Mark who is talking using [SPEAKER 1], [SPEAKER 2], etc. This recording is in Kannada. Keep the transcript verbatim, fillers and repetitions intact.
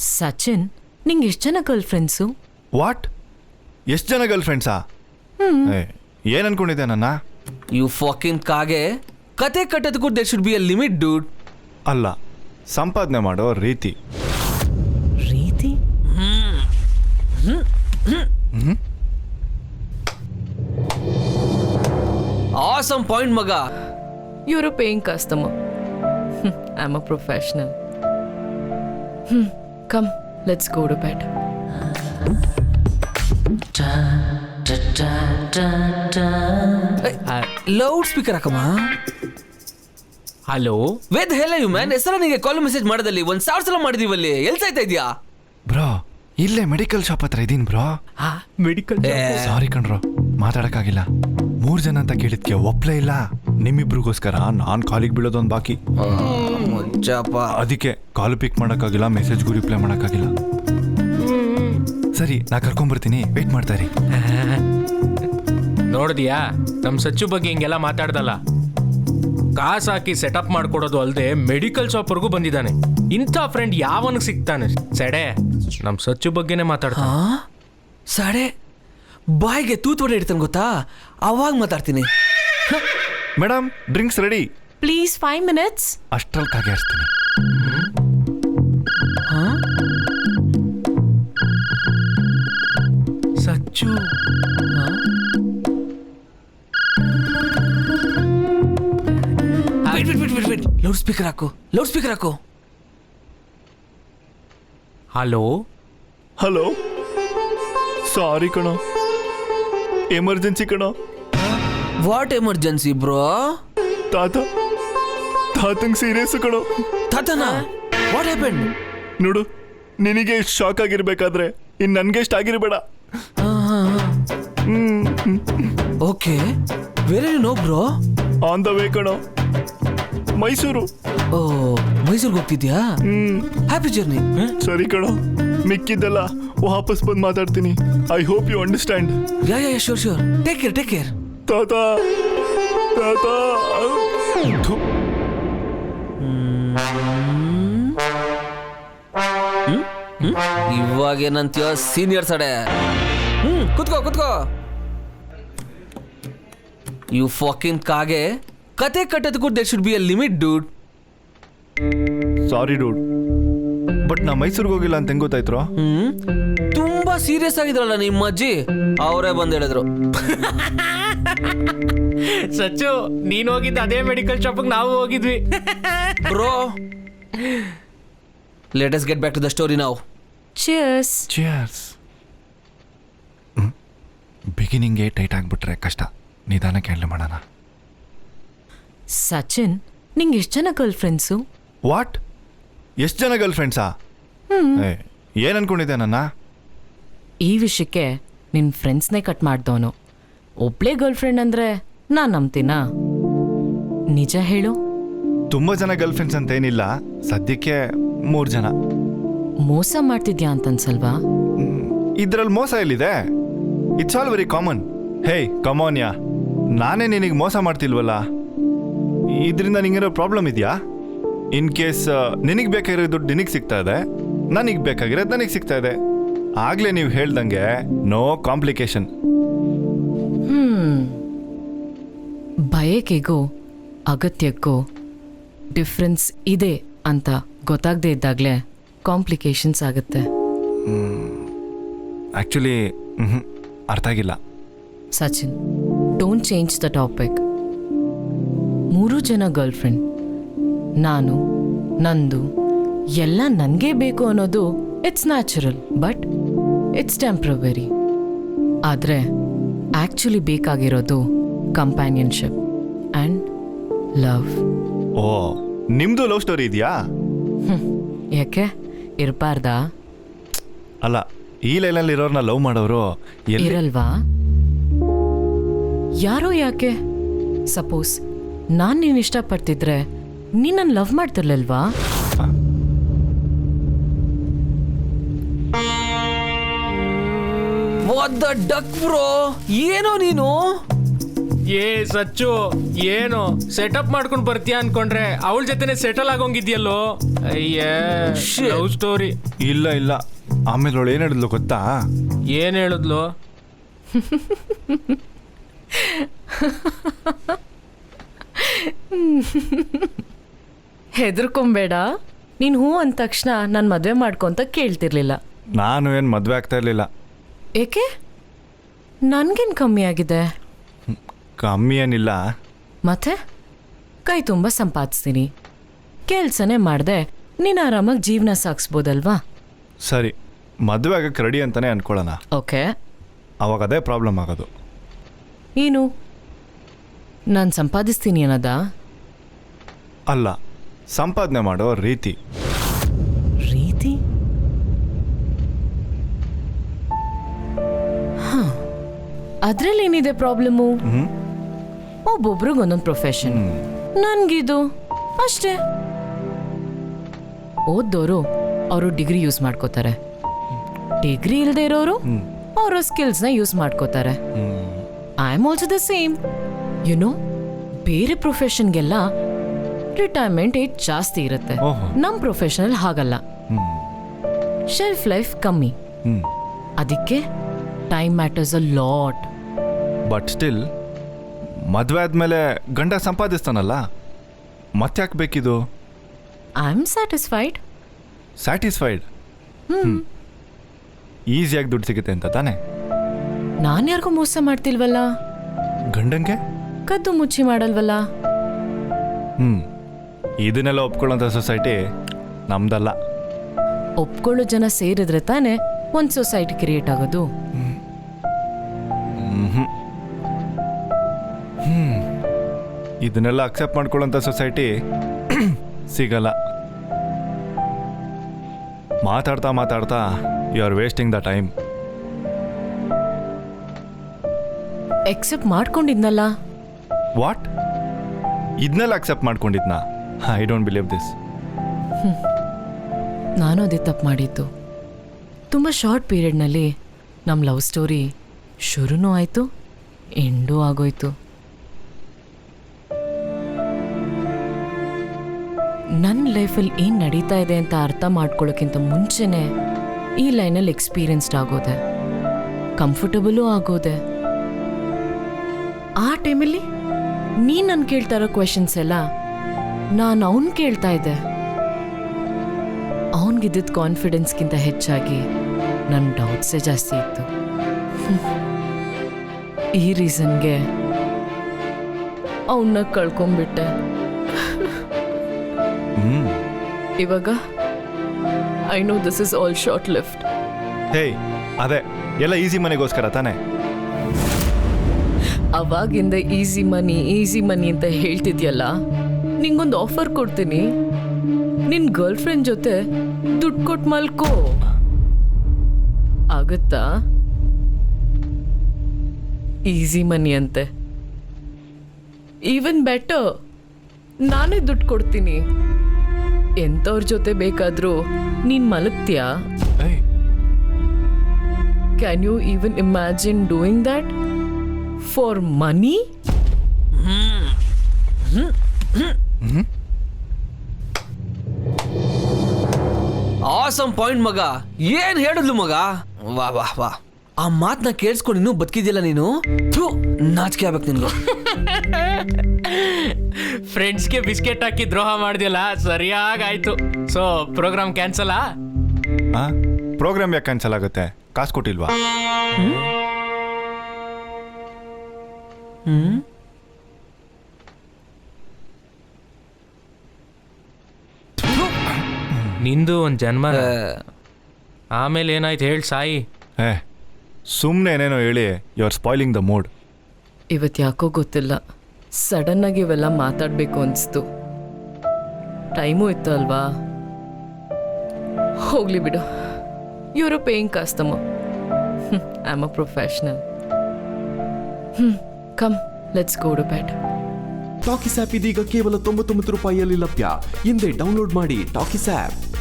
[SPEAKER 1] ಸಚಿನ್, ನಿಂಗೆ ಎಷ್ಟು ಜನ ಗರ್ಲ್ ಫ್ರೆಂಡ್ಸು?
[SPEAKER 2] ವಾಟ್? ಎಷ್ಟು ಜನ ಗರ್ಲ್ ಫ್ರೆಂಡ್ಸಾ? ಏನು ಅನ್ಕೊಂಡಿದ್ದೆ ನನ್ನ?
[SPEAKER 3] ಯು ಫಾಕಿಂಗ್ ಕಾಗೆ, ಕತೆ ಕಟ್ಟೋದಕ್ಕೂ there should be a limit dude.
[SPEAKER 2] ಅಲ್ಲ, ಸಂಪಾದನೆ ಮಾಡೋ ರೀತಿ.
[SPEAKER 1] ರೀತಿ?
[SPEAKER 3] ಆಸಮ್ ಪಾಯಿಂಟ್ ಮಗ.
[SPEAKER 1] You're a paying customer. I'm a professional. Hmm. Come, let's go to bed.
[SPEAKER 3] Loud speaker ಹಾಕಮ್ಮ.
[SPEAKER 4] Hello,
[SPEAKER 3] where the hell are you man. ಹೆಸರ ನಿಂಗೆ ಕಾಲ್ ಮೆಸೇಜ್ ಮಾಡೋದಲ್ಲಿ ಒಂದ್ ಸಾವಿರ ಸಲ ಮಾಡಿದೀವಲ್ಲಿ. ಎಲ್ಲಿ ಸಾಯ್ತಾ ಇದೆಯಾ
[SPEAKER 2] ಬ್ರೋ? ಇಲ್ಲೇ ಮೆಡಿಕಲ್ ಶಾಪ್ ಹತ್ರ ಇದೀನಿ ಬ್ರೋ.
[SPEAKER 4] ಮೆಡಿಕಲ್
[SPEAKER 2] ಸಾರಿ ಕಣ್ರೋ, ಮಾತಾಡಕ್ಕಾಗಿಲ್ಲ. ಮೂರ್ ಜನ ಅಂತ ಕೇಳಿದ್ಕೆ ಒಪ್ಲೇ ಇಲ್ಲ. ನಿಮ್ಮಿಬ್ರಿಗೋಸ್ಕರ ನಾನ್ ಕಾಲಿಗೆ ಬೀಳೋದೊಂದು ಬಾಕಿ.
[SPEAKER 3] ಮುಜ್ಜಪ್ಪ.
[SPEAKER 2] ಅದಕ್ಕೆ ಕಾಲ್ ಪಿಕ್ ಮಾಡಕ್ಕಾಗಿಲ್ಲ, ಮೆಸೇಜ್ಗೂ ರಿಪ್ಲೈ ಮಾಡಕ್ಕಾಗಿಲ್ಲ. ಸರಿ, ನಾ ಕರ್ಕೊಂಡ್ಬರ್ತೀನಿ, ವೇಟ್ ಮಾಡ್ತಾ ಇರಿ.
[SPEAKER 4] ನೋಡಿದ್ಯಾ, ನಮ್ ಸಚ್ಚು ಬಗ್ಗೆ ಹಿಂಗೆಲ್ಲ ಮಾತಾಡ್ದಲ್ಲ. ಕಾಸು ಹಾಕಿ ಸೆಟಪ್ ಮಾಡ್ಕೊಡೋದು ಅಲ್ಲದೆ ಮೆಡಿಕಲ್ ಶಾಪ್ವರೆಗೂ ಬಂದಿದ್ದಾನೆ. ಇಂಥ ಫ್ರೆಂಡ್ ಯಾವನಿಗೆ ಸಿಗ್ತಾನೆ? ಸೆಡೆ, ನಮ್ ಸಚ್ಚು ಬಗ್ಗೆನೇ ಮಾತಾಡ್ತಾನೆ.
[SPEAKER 3] ಸಾಡೆ ಬಾಯಿಗೆ ತೂತ್ ಹೊಡೆ ಇಡ್ತಾನೆ ಗೊತ್ತಾ, ಅವಾಗ ಮಾತಾಡ್ತೀನಿ.
[SPEAKER 2] Madam, drinks ready.
[SPEAKER 1] Please, five minutes.
[SPEAKER 2] ಅಷ್ಟ್ರಲ್ಲಿ ಕಾಗೆ ಹರಿಸ್ತೀನಿ.
[SPEAKER 4] ಸಚ್ಚು
[SPEAKER 3] ಲೌಡ್ ಸ್ಪೀಕರ್ ಹಾಕು, ಲೌಡ್ ಸ್ಪೀಕರ್ ಹಾಕು.
[SPEAKER 4] ಹಲೋ
[SPEAKER 2] ಹಲೋ, ಸಾರಿ ಕಣೋ, ಎಮರ್ಜೆನ್ಸಿ ಕಣೋ.
[SPEAKER 3] What emergency bro?
[SPEAKER 2] ತಾತ ತಾತಂಗ್ ಸೀರಿಯಸ್ ಕಣೋ.
[SPEAKER 3] ತಾತನ? What happen?
[SPEAKER 2] ನೋಡು, ನಿನಗೆ ಇಷ್ಟು ಶಾಕ್ ಆಗಿರ್ಬೇಕಾದ್ರೆ ಇನ್ ನನ್ಗೆ ಇಷ್ಟ ಆಗಿರ್ಬೇಡ.
[SPEAKER 3] Okay, where are you no bro?
[SPEAKER 2] On the way ಕಣೋ, ಮೈಸೂರು.
[SPEAKER 3] ಓ, ಮೈಸೂರಿಗೆ ಹೋಗ್ತಿದ್ಯಾ? Happy journey.
[SPEAKER 2] ಸರಿ ಕಣೋ, ಮಿಕ್ಕಿದ್ದೆಲ್ಲ ವಾಪಸ್ ಬಂದು ಮಾತಾಡ್ತೀನಿ. I hope you understand.
[SPEAKER 3] Yeah yeah sure sure. Take care, take care.
[SPEAKER 2] ತಾತ ತಾತ.
[SPEAKER 3] ಇವಾಗ ಏನಂತೀಯ ಸೀನಿಯರ್ ಸಡೆ? ಹ್ಮ್, ಕುತ್ಕೋ ಕುತ್ಕೋ. ಯು ಫಾಕಿಂಗ್ ಕಾಗೆ, ಕತೆ ಕಟ್ಟೋದಕ್ಕೂ there should be a limit dude.
[SPEAKER 2] Sorry dude, but ನಾ ಮೈಸೂರಿಗೆ ಹೋಗಿಲ್ಲ ಅಂತ ಹೆಂಗ್ ಗೊತ್ತಾಯ್ತು?
[SPEAKER 3] ಹ್ಮ್, ತುಂಬಾ ಸೀರಿಯಸ್ ಆಗಿದ್ರಲ್ಲ ನಿಮ್ಮ ಅಜ್ಜಿ, ಅವರೇ ಬಂದ್ ಹೇಳಿದ್ರು.
[SPEAKER 4] ಸಚ್ಚು, ನೀನ್ ಹೋಗಿದ್ದ ಅದೇ ಮೆಡಿಕಲ್ ಶಾಪಿಗೆ ನಾವು ಹೋಗಿದ್ವಿ.
[SPEAKER 3] Bro, let us get back to the story now.
[SPEAKER 1] Cheers.
[SPEAKER 2] Cheers. ಬಿಗಿನಿಂಗ್ಗೆ ಟೈಟ್ ಆಗಿಬಿಟ್ರೆ ಕಷ್ಟ, ನಿಧಾನಕ್ಕೆ ಹ್ಯಾಂಡಲ್ ಮಾಡೋಣ.
[SPEAKER 1] ಸಚಿನ್, ನಿಂಗೆ ಎಷ್ಟು ಜನ ಗರ್ಲ್ ಫ್ರೆಂಡ್ಸು?
[SPEAKER 2] ವಾಟ್? ಎಷ್ಟು ಜನ ಗರ್ಲ್ ಫ್ರೆಂಡ್ಸಾ? ಏನು ಅನ್ಕೊಂಡಿದ್ದೆ ನನ್ನ?
[SPEAKER 1] ಈ ವಿಷಯಕ್ಕೆ ನಿನ್ನ ಫ್ರೆಂಡ್ಸ್ನೇ ಕಟ್ ಮಾಡ್ದವನು. ಒಬ್ಳೇ ಗರ್ಲ್ ಫ್ರೆಂಡ್ ಅಂದರೆ ನಾನು ನಂಬ್ತೀನಾ? ನಿಜ ಹೇಳು.
[SPEAKER 2] ತುಂಬ ಜನ ಗರ್ಲ್ ಫ್ರೆಂಡ್ಸ್ ಅಂತ ಏನಿಲ್ಲ, ಸದ್ಯಕ್ಕೆ ಮೂರು ಜನ.
[SPEAKER 1] ಮೋಸ ಮಾಡ್ತಿದ್ಯಾ ಅಂತನ್ಸಲ್ವಾ?
[SPEAKER 2] ಇದ್ರಲ್ಲಿ ಮೋಸ ಎಲ್ಲಿದೆ? It's all very common. Hey come on yeah, ನಾನೇ ನಿನಗೆ ಮೋಸ ಮಾಡ್ತಿಲ್ವಲ್ಲ, ಇದರಿಂದ ನಿಂಗೇನೋ ಪ್ರಾಬ್ಲಮ್ ಇದೆಯಾ? ಇನ್ ಕೇಸ್ ನಿನಗೆ ಬೇಕಾಗಿರೋ ದುಡ್ಡು ನಿನಗೆ ಸಿಗ್ತಾ ಇದೆ, ನನಗೆ ಬೇಕಾಗಿರೋದು ನನಗೆ ಸಿಗ್ತಾ ಇದೆ. ಆಗಲೇ ನೀವು ಹೇಳ್ದಂಗೆ ನೋ ಕಾಂಪ್ಲಿಕೇಶನ್.
[SPEAKER 1] ಹ್ಮ್, ಬಯಕೆಗೂ ಅಗತ್ಯಕ್ಕೂ ಡಿಫ್ರೆನ್ಸ್ ಇದೆ ಅಂತ ಗೊತ್ತಾಗದೇ ಇದ್ದಾಗಲೇ ಕಾಂಪ್ಲಿಕೇಶನ್ಸ್ ಆಗುತ್ತೆ.
[SPEAKER 2] ಆ್ಯಕ್ಚುಲಿ ಅರ್ಥ ಆಗಿಲ್ಲ.
[SPEAKER 1] Sachin, don't change the topic. ಮೂರು ಜನ ಗರ್ಲ್ ಫ್ರೆಂಡ್, ನಾನು, ನಂದು, ಎಲ್ಲ ನನಗೇ ಬೇಕು ಅನ್ನೋದು it's natural, but it's temporary. ಆದರೆ ಆ್ಯಕ್ಚುಲಿ ಬೇಕಾಗಿರೋದು ಕಂಪ್ಯಾನಿಯನ್ಶಿಪ್ ಆ್ಯಂಡ್ ಲವ್.
[SPEAKER 2] ಓ, ನಿಮ್ಮದು ಲವ್ ಸ್ಟೋರಿ ಇದೆಯಾ?
[SPEAKER 1] ಯಾಕೆ ಇರಬಾರ್ದಾ?
[SPEAKER 2] ಅಲ್ಲ, ಈ ಲೈನಲ್ಲಿ ಇರೋರ್ನ ಲವ್ ಮಾಡೋರು ಎಲ್ಲಿ
[SPEAKER 1] ಇರಲ್ವಾ? ಯಾರೋ ಯಾಕೆ? ಸಪೋಸ್ ನಾನು ನೀನು ಇಷ್ಟಪಡ್ತಿದ್ರೆ ನೀನು ನನ್ನ ಲವ್ ಮಾಡ್ತಿರ್ಲಿಲ್ವಾ?
[SPEAKER 3] ವಾಟ್ ದ ಡಕ್ ಬ್ರೋ, ಏನೋ ನೀನು?
[SPEAKER 4] ಏ ಸಚ್ಚು ಏನು ಸೆಟಪ್ ಮಾಡ್ಕೊಂಡು ಬರ್ತೀಯ ಅನ್ಕೊಂಡ್ರೆ ಅವಳ ಜೊತೆನೆ ಸೆಟಲ್ ಆಗೋಂಗಿದ್ಯಲ್ಲೋ ಅಯ್ಯೇ ಲವ್ ಸ್ಟೋರಿ
[SPEAKER 2] ಇಲ್ಲ ಇಲ್ಲ ಆಮೇಲೆ ಅವಳು ಏನು ಹೇಳಿದ್ಲು ಗೊತ್ತಾ?
[SPEAKER 4] ಏನ್ ಹೇಳಿದ್ಲು?
[SPEAKER 1] ಹೆದರ್ಕೊಂಬೇಡ. ನೀನು ಹೂ ಅಂದ ತಕ್ಷಣ ನಾನು ಮದುವೆ ಮಾಡ್ಕೊಂತ ಕೇಳ್ತಿರ್ಲಿಲ್ಲ.
[SPEAKER 2] ನಾನು ಏನು ಮದುವೆ ಆಗ್ತಾ ಇರಲಿಲ್ಲ.
[SPEAKER 1] ಏಕೆ? ನನ್ಗೇನು ಕಮ್ಮಿ ಆಗಿದೆ?
[SPEAKER 2] ಕಮ್ಮಿ ಏನಿಲ್ಲ.
[SPEAKER 1] ಮತ್ತೆ ಕೈ ತುಂಬ ಸಂಪಾದಿಸ್ತೀನಿ, ಕೆಲ್ಸನೇ ಮಾಡ್ದೆ ನೀನು ಆರಾಮಾಗಿ ಜೀವನ ಸಾಗಿಸ್ಬೋದಲ್ವಾ?
[SPEAKER 2] ಸರಿ, ಮದುವೆ ಆಗಕ್ಕೆ ರೆಡಿ ಅಂತಾನೆ ಅನ್ಕೊಳ್ಳೋಣ.
[SPEAKER 1] ಓಕೆ,
[SPEAKER 2] ಅವಾಗ ಅದೇ ಪ್ರಾಬ್ಲಮ್ ಆಗೋದು.
[SPEAKER 1] ಏನು ನಾನು ಸಂಪಾದಿಸ್ತೀನಿ ಅನ್ನೋದ?
[SPEAKER 2] ಅಲ್ಲ, ಸಂಪಾದನೆ ಮಾಡೋ ರೀತಿ.
[SPEAKER 1] ರೀತಿ? ಹಾಂ, ಅದರಲ್ಲೇನಿದೆ ಪ್ರಾಬ್ಲಮ್ಮು?
[SPEAKER 2] ಹ್ಞೂ
[SPEAKER 1] ಒಬ್ಬೊಬ್ರಿಗೆ ಒಂದೊಂದು ಪ್ರೊಫೆಷನ್. ನನ್ಗಿದು ಅಷ್ಟೇ. ಓದ್ದೋರು ಅವರು ಡಿಗ್ರಿ ಯೂಸ್ ಮಾಡ್ಕೋತಾರೆ, ಡಿಗ್ರಿ ಇಲ್ಲದೆ ಇರೋರು ಅವರ ಸ್ಕಿಲ್ಸ್ನ ಯೂಸ್ ಮಾಡ್ಕೋತಾರೆ. I am also the same. You know, ಬೇರೆ ಪ್ರೊಫೆಷನ್ಗೆಲ್ಲ ರಿಟೈರ್ಮೆಂಟ್ ಏಜ್ ಜಾಸ್ತಿ ಇರುತ್ತೆ.
[SPEAKER 2] ಓಹೋ.
[SPEAKER 1] ನಮ್ಮ ಪ್ರೊಫೆಷನಲ್ ಹಾಗಲ್ಲ,
[SPEAKER 2] ಹ್ಞೂ
[SPEAKER 1] ಶೆಲ್ಫ್ ಲೈಫ್ ಕಮ್ಮಿ.
[SPEAKER 2] ಹ್ಞೂ
[SPEAKER 1] ಅದಕ್ಕೆ time matters a lot.
[SPEAKER 2] But still ಮದುವೆ ಆದಮೇಲೆ ಗಂಡ ಸಂಪಾದಿಸ್ತಾನಲ್ಲ, ಮತ್ತೆ ಯಾಕೆ ಬೇಕಿದು?
[SPEAKER 1] I am satisfied.
[SPEAKER 2] ಸ್ಯಾಟಿಸ್ಫೈಡ್? ಹ್ಞೂ ಈಸಿಯಾಗಿ ದುಡ್ಡು ಸಿಗುತ್ತೆ ಅಂತ ತಾನೇ?
[SPEAKER 1] ನಾನು ಯಾರಿಗೂ ಮೋಸ ಮಾಡ್ತಿಲ್ವಲ್ಲ,
[SPEAKER 2] ಗಂಡಂಗೆ
[SPEAKER 1] ಕದ್ದು ಮುಚ್ಚಿ ಮಾಡಲ್ವಲ್ಲ.
[SPEAKER 2] ಹ್ಞೂ ಇದನ್ನೆಲ್ಲ ಒಪ್ಕೊಳ್ಳೋಂಥ ಸೊಸೈಟಿ ನಮ್ದಲ್ಲ.
[SPEAKER 1] ಒಪ್ಕೊಳ್ಳೋ ಜನ ಸೇರಿದ್ರೆ ತಾನೇ ಒಂದು ಸೊಸೈಟಿ ಕ್ರಿಯೇಟ್ ಆಗೋದು.
[SPEAKER 2] ಹ್ಞೂ ಹ್ಞೂ ಇದನ್ನೆಲ್ಲ ಅಕ್ಸೆಪ್ಟ್ ಮಾಡ್ಕೊಳ್ಳೋಂಥ ಸೊಸೈಟಿ ಸಿಗಲ್ಲ. ಮಾತಾಡ್ತಾ ಮಾತಾಡ್ತಾ you are wasting the time.
[SPEAKER 1] Except ಮಾಡ್ಕೊಂಡಿದ್ನಲ್ಲ.
[SPEAKER 2] ವಾಟ್? ಇದನ್ನೆಲ್ಲ ಅಕ್ಸೆಪ್ಟ್ ಮಾಡ್ಕೊಂಡಿದ್ನಾ? I don't believe this.
[SPEAKER 1] ನಾನು ಅದೇ ತಪ್ಪು ಮಾಡಿದ್ದು. ತುಂಬ ಶಾರ್ಟ್ ಪೀರಿಯಡ್ನಲ್ಲಿ ನಮ್ಮ ಲವ್ ಸ್ಟೋರಿ ಶುರುನೂ ಆಯಿತು, ಎಂಡೂ ಆಗೋಯ್ತು. ನನ್ನ ಲೈಫಲ್ಲಿ ಏನು ನಡೀತಾ ಇದೆ ಅಂತ ಅರ್ಥ ಮಾಡ್ಕೊಳ್ಳೋಕ್ಕಿಂತ ಮುಂಚೆನೇ ಈ ಲೈನಲ್ಲಿ ಎಕ್ಸ್ಪೀರಿಯನ್ಸ್ಡ್ ಆಗೋದೆ, ಕಂಫರ್ಟಬಲೂ ಆಗೋದೆ. ಆ ಟೈಮಲ್ಲಿ ನೀನು ನಾನು ಕೇಳ್ತಾ ಇರೋ ಕ್ವೆಶನ್ಸ್ ಎಲ್ಲ ನಾನು ಅವನು ಕೇಳ್ತಾ ಇದ್ದೆ. ಅವನಿಗಿದ್ದ ಕಾನ್ಫಿಡೆನ್ಸ್ಗಿಂತ ಹೆಚ್ಚಾಗಿ ನನ್ನ ಡೌಟ್ಸೇ ಜಾಸ್ತಿ ಇತ್ತು. ಈ ರೀಸನ್ಗೆ ಅವನ್ನ ಕಳ್ಕೊಂಡ್ಬಿಟ್ಟೆ.
[SPEAKER 2] ಹ್ಞೂ
[SPEAKER 1] ಇವಾಗ I know this is all short lift.
[SPEAKER 2] Hey, ಅದೇ ಎಲ್ಲ ಈಸಿ ಮನೆಗೋಸ್ಕರ ತಾನೇ?
[SPEAKER 1] ಅವಾಗಿಂದ ಈಸಿ ಮನಿ ಈಸಿ ಮನಿ ಅಂತ ಹೇಳ್ತಿದ್ಯಲ್ಲ, ನಿಂಗೊಂದು ಆಫರ್ ಕೊಡ್ತೀನಿ. ನಿನ್ನ ಗರ್ಲ್ ಫ್ರೆಂಡ್ ಜೊತೆ ದುಡ್ಡು ಕೊಟ್ಟು ಮಲ್ಕೋ, ಆಗುತ್ತಾ? ಈಸಿ ಮನಿ ಅಂತೆ. ಈವನ್ ಬೆಟರ್, ನಾನೇ ದುಡ್ಡು ಕೊಡ್ತೀನಿ. ಎಂಥವ್ರ ಜೊತೆ ಬೇಕಾದರೂ ನೀನು ಮಲಗ್ತೀಯಾ?
[SPEAKER 2] ಏಯ್,
[SPEAKER 1] can you even imagine doing that for money?
[SPEAKER 3] Awesome point ಮಗ. ಏನ್ ಹೇಳಿದ್ಲು ಮಗ? ವಾ ವಾ ವಾ, ಆ ಮಾತನ್ನ ಕೇಳಿಸ್ಕೊಂಡು ಇನ್ನೂ ಬದುಕಿದ್ಯಲ್ಲ ನೀನು. ಥು, ನಾಚಿಕೆ ಆಗ್ಬೇಕು ನಿನ್ಗೆ.
[SPEAKER 4] ಫ್ರೆಂಡ್ಸ್ಗೆ ಬಿಸ್ಕೆಟ್ ಹಾಕಿ ದ್ರೋಹ ಮಾಡಿದ್ಯಲ್ಲ, ಸರಿಯಾಗಾಯ್ತು. So program cancel?
[SPEAKER 2] ಹಾಂ, ಪ್ರೋಗ್ರಾಮ್ ಯಾಕೆ ಕ್ಯಾನ್ಸಲ್ ಆಗುತ್ತೆ? ಕಾಸು ಕೊಟ್ಟಿಲ್ವಾ?
[SPEAKER 3] ಹ್ಮ್
[SPEAKER 4] ನಿಂದು ಒಂದು ಜನ್ಮ. ಆಮೇಲೆ ಏನಾಯ್ತು ಹೇಳಿ ಸಾಯಿ.
[SPEAKER 2] ಏ, ಸುಮ್ಮನೆ ಏನೇನೋ ಹೇಳಿ you are spoiling the mood.
[SPEAKER 1] ಇವತ್ತು ಯಾಕೋ ಗೊತ್ತಿಲ್ಲ, ಸಡನ್ನಾಗಿ ಇವೆಲ್ಲ ಮಾತಾಡಬೇಕು ಅನಿಸ್ತು. ಟೈಮು ಇತ್ತು ಅಲ್ವಾ? ಹೋಗ್ಲಿ ಬಿಡು, ಇವರು paying customer, I am a professional. ಹ್ಞೂ, come let's go to bed.
[SPEAKER 5] Talkies app ಇದೀಗ ಕೇವಲ ತೊಂಬತ್ತೊಂಬತ್ತು ರೂಪಾಯಿಯಲ್ಲಿ ಲಭ್ಯ. ಹಿಂದೆ ಡೌನ್ಲೋಡ್ ಮಾಡಿ ಟಾಕಿಸ್ ಆ್ಯಪ್.